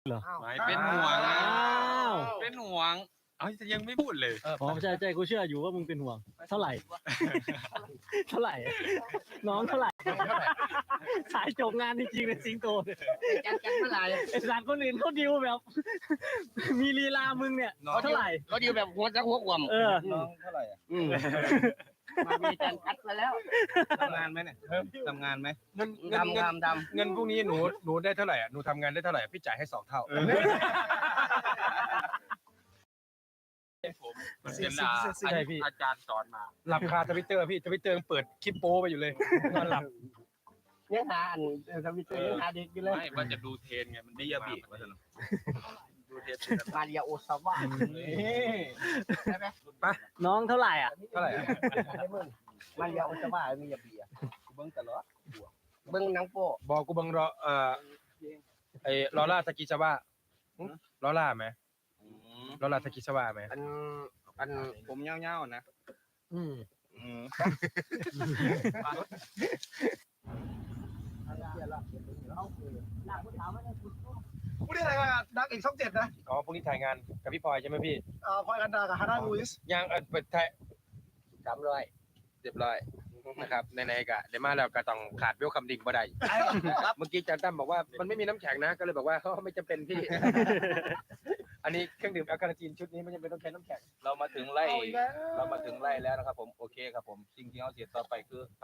เหรอไม่เป็นห่วงนะอ้าวเป็นห่วงเอ้ยยังไม่พูดเลยอ๋อใช่กูเชื่ออยู่ว่ามึงเป็นห่วง เท่าไหร่ เท่าไหร่ น้องเท่าไหร่สายจบงานจริงๆเลยสิงโตเนี่ยกันเมื่อไหร่ไอ้สารคนอื่นเขาดิวแบบ มีลีลามึงเนี่ยเท่าไหร่เขาดีแบบหัวจักหัวกวมเออน้องเท่าไหร่อ่ะมามีการคัดมาแล้วทำงานไหมเนี่ยทำงานไหมเงินดำเงินพวกนี้หนูได้เท่าไหร่อ่ะหนูทำงานได้เท่าไหร่พี่จ่ายให้2 เท่ามันเป็นอาจารย์สอนมาหลับคาทวิตเตอร์พี่ทวิตเตอร์เปิดคลิปโป้ไปอยู่เลยนอนหลับเนี่ยหาอันทวิตเตอร์ยังหาเด็กอยู่เลยไม่ว่าจะดูเทรนไงมันดีอะบีดูเทรนมาเรียโอซาวะใช่ไหมน้องเท่าไหร่อ่ะเท่าไหร่อ่ะมาเรียโอซาวะมียาเบียเบิ้งตลอดเบิ้งนังโป้บอกกูบังรอไอ้ลอล่าตะกิชาวะลอล่าไหมลอล่าตะกิชาวะไหมอันผมเงี้ยวๆนะอืมผู้ที่ถ่ายงานดักอีกช่อง7นะอ๋อพรุ่งนี้ถ่ายงานกับพี่พลอยใช่ไหมพี่พลอยกันดากับฮาน่าลูอิสยังเปิดถ่าย 300 เรียบร้อยนะครับในๆกะเดี๋ยวมาแล้วก็ต้องขาดเวลคัมดิ่งบ่ได้เมื่อกี้อาจารย์ตั้มบอกว่ามันไม่มีน้ำแข็งนะก็เลยบอกว่าเขาไม่จำเป็นพี่ อันนี้เครื่องดื่มแอลกาลินชุดนี้ไม่จำเป็นต้องใช้น้ำแข็งเรามาถึงไล่แล้วนะครับผมโอเคครับผมสิ่งที่เราเสียต่อไปคือ